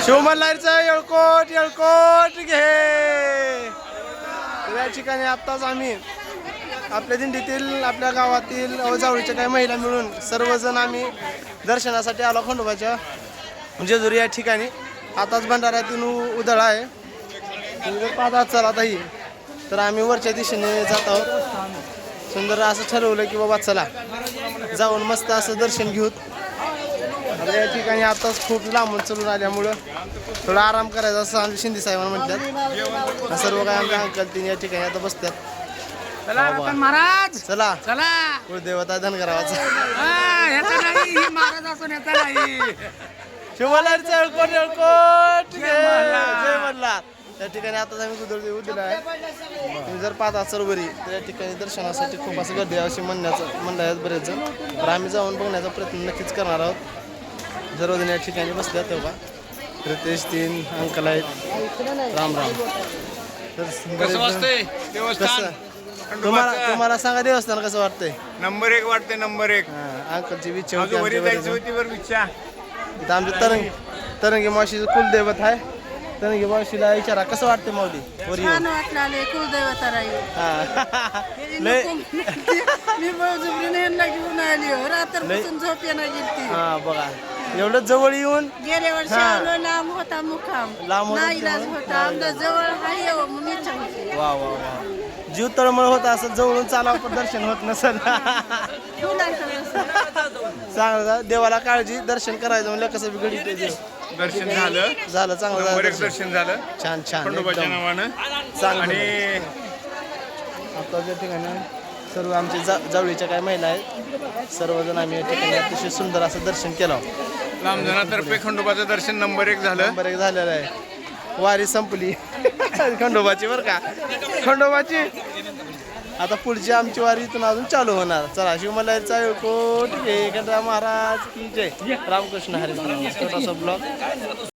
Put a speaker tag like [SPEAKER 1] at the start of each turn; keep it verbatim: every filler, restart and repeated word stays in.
[SPEAKER 1] शिवमल्हारचं येळकोट येळकोट घे. या ठिकाणी आत्ताच आम्ही आपल्या दिंडीतील आपल्या गावातील जवळच्या काही महिला मिळून सर्वजण आम्ही दर्शनासाठी आलो खंडोबाच्या जेजुरी या ठिकाणी. आताच भंडाऱ्यातून उधळ आहे. जर पाहता चला ही तर आम्ही वरच्या दिशेने जात आहोत. सुंदर असं ठरवलं की बाबा चला जाऊन मस्त असं दर्शन घेऊत. या ठिकाणी आताच खूप लांबून चलून आल्यामुळं थोडा आराम करायचा असं आमच्या शिंदे साहेबांना म्हटल्यात. सर्व काय आमच्या अंकल तीन या ठिकाणी आता बसतात.
[SPEAKER 2] महाराज
[SPEAKER 1] चला
[SPEAKER 2] चला
[SPEAKER 1] कुलदेवता धनगरावाचा
[SPEAKER 2] महाराज असून येता नाही.
[SPEAKER 1] शिवमल्हारचं येळकोट येळकोट घे. जय मल्हार. या ठिकाणी आता आम्ही गुदळ देऊ दिला आहे. तुम्ही जर पाहता सरोवरी तर या ठिकाणी दर्शनासाठी खूप असं गर्दी आहे अशी म्हणण्याचं म्हणलं आहेत बरेच जण. तर आम्ही जाऊन बघण्याचा प्रयत्न नक्कीच करणार आहोत. सर्वजण या ठिकाणी बसल्यात तेव्हा रितेश तीन अंकल आहेत. राम राम. तर
[SPEAKER 3] कसं वाटतंय देवस्थान?
[SPEAKER 1] कसं तुम्हाला तुम्हाला सांगा देवस्थान कसं वाटतंय?
[SPEAKER 3] नंबर एक वाटते नंबर एक.
[SPEAKER 1] हा, अंकलची इच्छा होती
[SPEAKER 3] अजून वरी
[SPEAKER 1] आमच्या
[SPEAKER 3] जायची
[SPEAKER 1] बरेच
[SPEAKER 3] होती बरं इच्छा.
[SPEAKER 1] जण. इथं आमच्या तरंगी तरंगी मावशीचं कुलदैवत आहे. तरंगी मावशीला विचारा कसं वाटतं माऊली वर येऊन?
[SPEAKER 4] छान वाटलं आले कुलदैवता राहील.
[SPEAKER 1] हा. लय
[SPEAKER 4] मी बळजुबरीने यांना घेऊन आली हो. रात्रपासून झोप येणार गेली.
[SPEAKER 1] हा बघा एवढं जवळ येऊन
[SPEAKER 4] गेल्या वर्षी
[SPEAKER 1] हा.
[SPEAKER 4] आलो लांब होता मुखाम
[SPEAKER 1] लांब होता
[SPEAKER 4] नाही इलाज
[SPEAKER 1] त्यामुळे?
[SPEAKER 4] होता आमच्या जवळ हाय हो म्हणून इच्छा होती.
[SPEAKER 1] वा वा वा जीव तळमळ होत असं जवळून चालावं पण दर्शन होत नसेल. चांगलं देवाला काळजी दर्शन करायचं म्हणजे कसं बिघडी ते देव.
[SPEAKER 3] दर्शन झालं
[SPEAKER 1] झालं चांगलं
[SPEAKER 3] नंबर
[SPEAKER 1] झालं
[SPEAKER 3] एक
[SPEAKER 1] दर्शन.
[SPEAKER 3] दर्शन झालं
[SPEAKER 1] छान छान
[SPEAKER 3] खंडोबाच्या
[SPEAKER 1] एकदम
[SPEAKER 3] नावानं.
[SPEAKER 1] चांगलं
[SPEAKER 3] आणि
[SPEAKER 1] आता त्या ठिकाणी सर्व आमचे जा जवळीच्या काही महिला आहेत. सर्वजण आम्ही या ठिकाणी अतिशय सुंदर असं दर्शन केलं.
[SPEAKER 3] लांबजनातर्फे खंडोबाचं दर्शन नंबर एक झालं.
[SPEAKER 1] नंबर एक झालेलं आहे. वारी संपली खंडोबाची बरं का. खंडोबाची आता पुढची आमची वारी इथून अजून चालू होणार. चला शिवमल्हारचा येळकोट घे. गणराय महाराज की जय. रामकृष्ण हरी. छोटासा ब्लॉग